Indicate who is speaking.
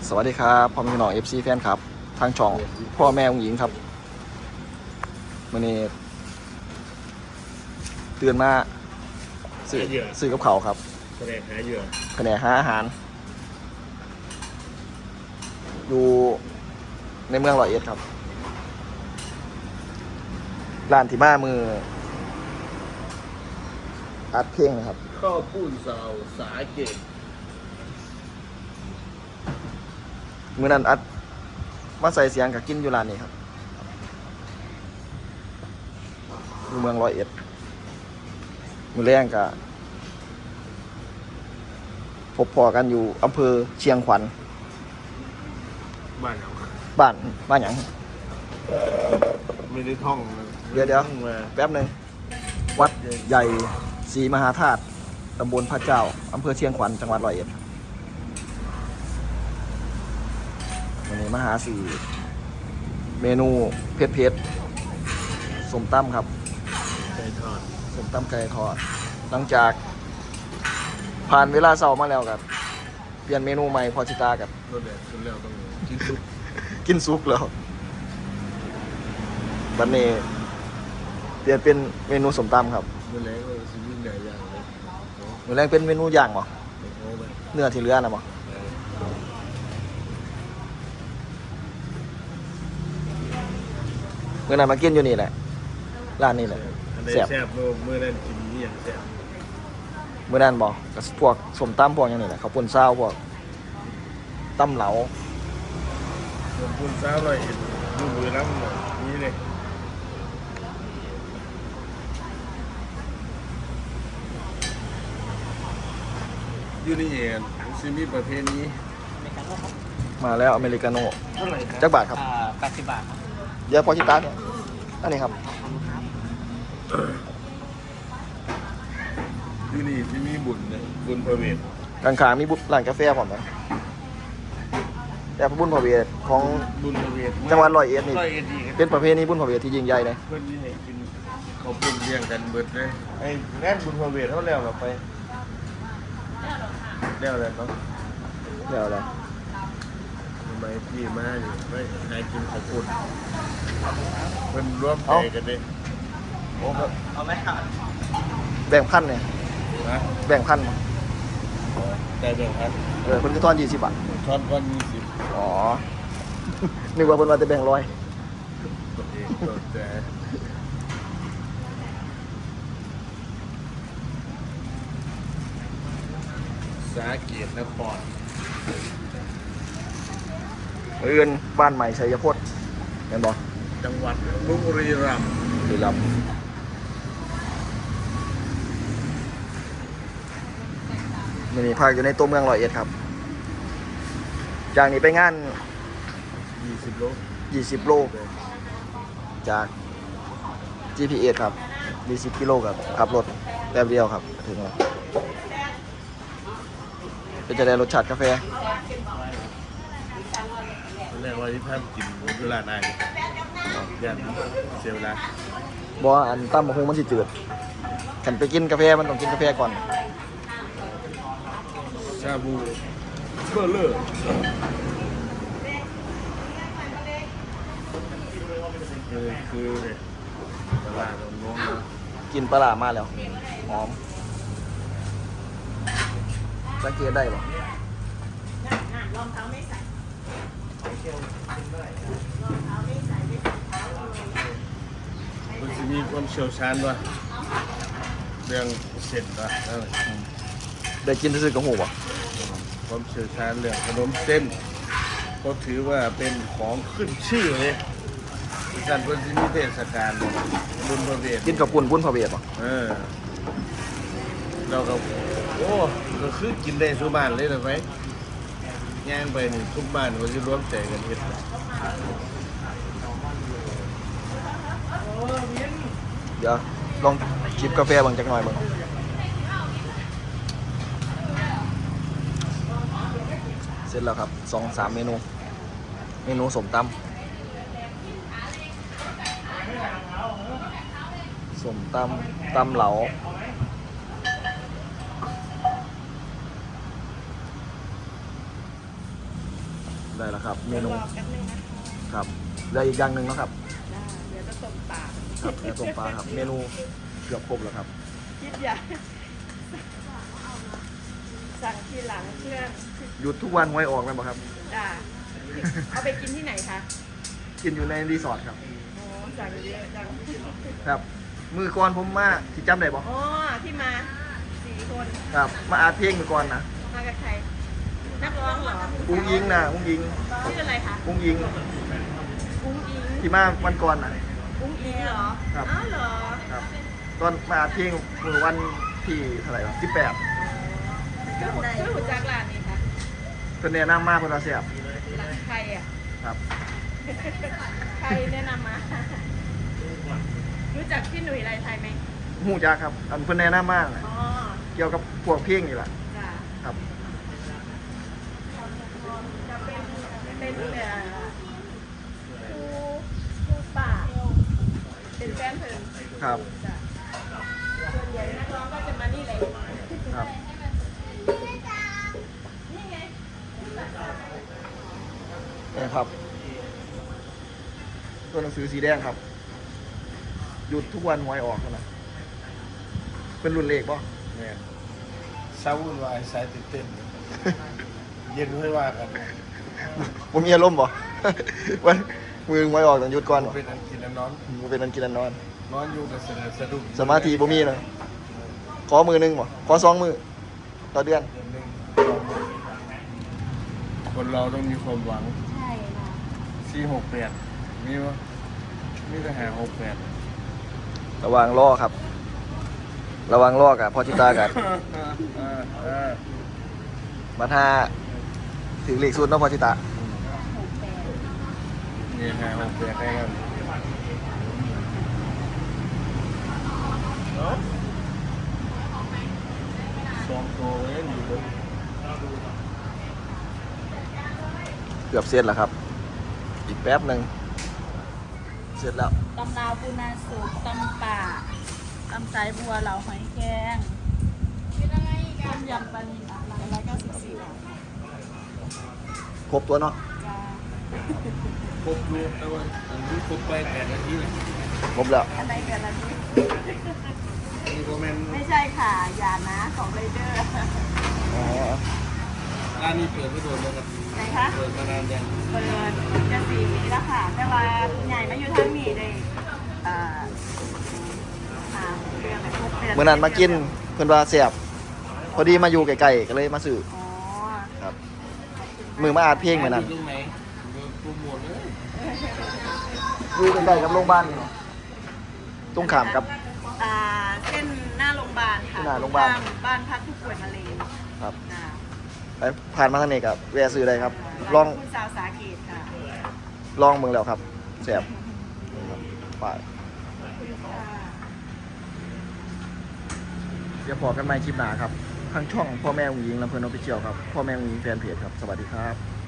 Speaker 1: สวัสดีครับพ่อแม่พี่น้อง FC แฟนครับทางช่องพ่อแม่องหญิงครับวันนี้เตือนมาซื้อกับเขาครับ
Speaker 2: แผนกหาเหยื่อ
Speaker 1: แผนกหาอาหารอยู่ในเมืองร้อยเอ็ดครับร้านที่มามืออัดเพลงนะครับ
Speaker 2: ข้าวปุ้นสาวสาเกต
Speaker 1: มือนั้นอัดมาใส่เสียงกับกินอยู่ร้านนี้ครับอยู่เมืองร้อยเอ็ดมือแรงกับพบพอกันอยู่อำเภอเชียงขวัญ
Speaker 2: บ้านเรา
Speaker 1: บ้านหยัง
Speaker 2: ไม่ได้ท่อง
Speaker 1: เดี๋ยวแป๊บหนึ่งวัดใหญ่ศรีมหาธาตุตำบลพระเจ้าอำเภอเชียงขวัญจังหวัดร้อยเอ็ดวันนี้มาหาสี่เมนูเผ็ดสมตั้มครับ
Speaker 2: ไก่ทอด
Speaker 1: สมตั้มไก่ทอดหลังจากผ่านเวลาเช้ามาแล้วครับเปลี่ยนเมนูใหม่พอชิตากับ
Speaker 2: รสแดดขึ้นแล้วต้องกินซุป
Speaker 1: กินซุปแล้ววันนี้เปลี่ยนเป็นเมนูสมตั้มครับ
Speaker 2: เมื่อแรงก็สิ่งยิ่งใหญ่อย่างเลย
Speaker 1: มื้อแรกเป็นเมนูย่างบ่เนื้อที่เหลือนะบ่เมื่อนั้นมากินอยู่นี่แหละร้านนี้แหละ
Speaker 2: แซ่บเมื่อนั้นกินนี่อย่างแซ่บ
Speaker 1: เมื่อนั้นบอกกับพวกสมตำพวกอย่างนี้แหละเขาวปุ้นซาวพวกตำเหลา
Speaker 2: ปุ้นซาวเลยดูมือน้ำนี่เลยยูนี่เองซิมีประเภทนี้
Speaker 1: มาแล้วอเมริกาโน่จักบาทครับ
Speaker 3: 80 บาทครับ
Speaker 1: เดี๋ยวพอชิตาเนี่ยอันนี้ครับ
Speaker 2: ยูนี่ที่มีบุญนะบุญพระเวท
Speaker 1: กลางๆมีร้านกาแฟผมนะแต่บุญพระเวทของ
Speaker 2: บุญพระเวท
Speaker 1: จังหวัดร้อยเอ็ดนี่เป็นประเพณีบุญพระเวทที่ยิ่งใหญ่เลย
Speaker 2: เพื่อนที่ให้กินเขาปุ่นเลี้ยงกันเบิดเลยไอ้แน่นบุญพระเวทเท่าแล้วเราไปแล้วอะไรต้อง
Speaker 1: แล้วอะไร
Speaker 2: ทำไมพี่มาอยู่ไม่ให้กินเขาปุ่นเพื่อนร่วมใจกันเลย
Speaker 1: โอ้ครับ
Speaker 3: เอาไหมครับ
Speaker 1: แบ่งพันเนี่ยแบ่งพัน
Speaker 2: แต่แบ่งพัน
Speaker 1: เพิ่นก็ทอน20 บาท
Speaker 2: ทอนวัน20
Speaker 1: อ๋อนึกว่าเพิ่นว่าจะแบ่ง100
Speaker 2: แต่สาเกตนคร
Speaker 1: บ้านใหม่ชัยพจน์เห็นบ่
Speaker 2: จังหวัดบุรีรัมย์
Speaker 1: นี่ภาคอยู่ในตัวเมืองร้อยเอ็ดครับจากนี้ไปงาน
Speaker 2: 20 โล
Speaker 1: 20 โลจาก GPS ครับ20 กิโลครับขับรถแป๊บเดียวครับถึงแล้วเป็นจะได้รสชาติกาแฟ
Speaker 2: แรกว่าที่ท่านกินเวลานานยันเสียเวลา
Speaker 1: บอกอันตั้มมะฮุงมันสิจืดขันไปกินกาแฟมันต้องกินกาแฟก่อน
Speaker 2: ชาบูเบอร์เลอร์คือตลาดน้อง
Speaker 1: กินปลามาแล้วหอมสังเกตได้ปะ
Speaker 2: มันจะมีความเชี่ยวชาญป่ะเรื่องเสร็จป่ะ
Speaker 1: ได้กินซื้อกับหูป่ะ
Speaker 2: ความเชี่ยวชาญเรื่องขนมเส้นเขาถือว่าเป็นของขึ้นชื่อเลยการเป็นที่มีเทศกาลบุญพระเวท
Speaker 1: กินกับบุญพระเวทป่ะ
Speaker 2: เราก็โอ้ก็คือกินได้ทุกบ้านเลยนะไหมย่างไปนี่ทุกบ้านเขาจะร่วมใจกันเฮ็ด
Speaker 1: เดี๋ยวลองจิบกาแฟบางจักหน่อยบ้างเสร็จแล้วครับ 2-3 เมนูสมตำตำเหลาได้แล้วครับ เมนู
Speaker 3: รอแป๊บนึงนะครับ
Speaker 1: เหลืออีกอย่างหนึ่งเนาะครับ
Speaker 3: จ้าเดี๋ยวจะต้มปลา
Speaker 1: ครับเนื้อต้มปลาครับ เมนูเกือบครบแล้วครับ
Speaker 3: คิดอย่าสั่งทีหลังเพื่อน
Speaker 1: หยุดทุกวันไว้ออกเลยบ่ครับ
Speaker 3: จ้าเอาไปกินที่ไหนคะ
Speaker 1: กินอยู่ในรีสอร์ทครับ
Speaker 3: โอ้สั่งเยอะจัง
Speaker 1: ครับ มือก่อนผมมาที่จำได้บ่
Speaker 3: อ๋อที่มา4 คน
Speaker 1: ครับ มาอาเพลงมือก่อนนะ
Speaker 3: มากับใครนักร้องเหรอ
Speaker 1: อุ้งยิงนะอุ้งยิง
Speaker 3: ชื่ออะไรคะ
Speaker 1: อุ้งยิง
Speaker 3: อุ้งอิง
Speaker 1: ที่มาวันก่อนนะ
Speaker 3: อุ้งอิงเหรอ
Speaker 1: ครับ
Speaker 3: อ้าวเหรอ
Speaker 1: ครับ ตอนมาอาเพลงมือวันที่เท่าไหร่วะ18
Speaker 3: ชื่อหุ่นจักรลานนี่ค่ะ
Speaker 1: เพิ่นแนะนำมาเพิ่นว่าแซ่บ
Speaker 3: หลังใครอ่ะ
Speaker 1: ครับ
Speaker 3: ใครแนะนำมา รู้จักพี่หนุ่ยไรไทยไหม
Speaker 1: ฮู้จักครับ อันเพิ่นแนะนำมาน่ะ
Speaker 3: อ๋อ
Speaker 1: เกี่ยวกับพวกเพลงนี่แหละ
Speaker 3: จ้ะ
Speaker 1: ครับ
Speaker 3: จะเป็นครูป่า เป็นแฟนเพลง
Speaker 1: ครับ
Speaker 3: จ้ะส่วนใหญ่นักร้องก็จะมานี่เลย
Speaker 1: ครับ
Speaker 3: นี่ไง
Speaker 1: นี่ครับ ตัวหนังสือสีแดงครับ หยุดทุกวันหวยออกเท่านะเป็นรุ่นเลขป่ะ
Speaker 2: เนี่ยเศร้าวุ่นวายสายตื่นเต้น เย็นไม่ว่ากัน
Speaker 1: ผมมีอารมณ์ป่ะ วันมือหวยออกต้องหยุดก่อนป่ะ
Speaker 2: เป็นอันกินอันนอน
Speaker 1: มันเป็นอันกินอันนอน
Speaker 2: นอนอยู่กับสะดุ้ง
Speaker 1: สมาธิบ่มีเลยขอมือหนึงป่ะขอ2 มือต่อเดือน
Speaker 2: เดือนหนึ่งคนเราต้องมีความหวัง
Speaker 3: ใช่ค่ะ
Speaker 2: 468มีวะมีแต่หา68
Speaker 1: ระวังล่อครับ ระวังล่อกับพอจิตากับมาท่าถึงเลขสุดเนาะพอจิตา
Speaker 2: นี่หา68ได้กันสองตัวเองอยู่เลย
Speaker 1: เกือบเสร็จแล้วครับ อีกแป๊บหนึ่งเสร็จแล้ว
Speaker 3: ตำลาวปูนาสุกตำป่าตำสายบัวเหล่าหอยแครงต้มยำปลานิล194 บาท
Speaker 1: ครบตัวเนาะ
Speaker 3: จ้า
Speaker 2: ครบดูแต่ว่าอันนี้ครบไป8 นาทีเลย
Speaker 1: ครบแล้ว
Speaker 3: อะไรกันล่ะนี่
Speaker 2: นี่ก็แม่น
Speaker 3: ไม่ใช่ค่ะอย่านะของไรเดอร์
Speaker 1: อ๋อ
Speaker 2: ร้านนี้เปิดไม่โดนแล้วครับ
Speaker 3: ไหนคะ
Speaker 2: เปิดมานานยัง
Speaker 3: เปิดจะ4 ปีแล้วค่ะ แต่ว่าใหญ่มาอยู่ทางนี้เลยเดือนเลย6 เดือน
Speaker 1: เมื่อนั้นมากินเพิ่นว่าแซ่บพอดีมาอยู่ไกลๆก็เลยมาซื้อ
Speaker 3: อ๋อ
Speaker 1: ครับ มือมาอาดเพลงเหมือนนั้น
Speaker 2: ยู่ตรงไหนโปรโมทเลย
Speaker 1: อยู่ใกล้ๆกับโรงพยาบาลนี่เนาะตรงข้ามกับ
Speaker 3: เส้นหน้าโรงพยาบาลค่ะ
Speaker 1: หน้าโรงพยาบาล
Speaker 3: บ้านพักผู้ป่วยมะเร็ง
Speaker 1: ครับ
Speaker 3: นะ
Speaker 1: ไปผ่านมาทางนี้กับแวะซื้อได้ครับ ลอง
Speaker 3: คุณสาวสาเกตค่ะ
Speaker 1: ลองเมืองแล้วครับแซ่บครับไปเดี๋ยวพอกันใหม่คลิปหน้าครับทางช่องพ่อแม่อุ้งยิงลำเพลินออฟฟิเชียลครับพ่อแม่อุ้งยิงแฟนเพจครับสวัสดีครับ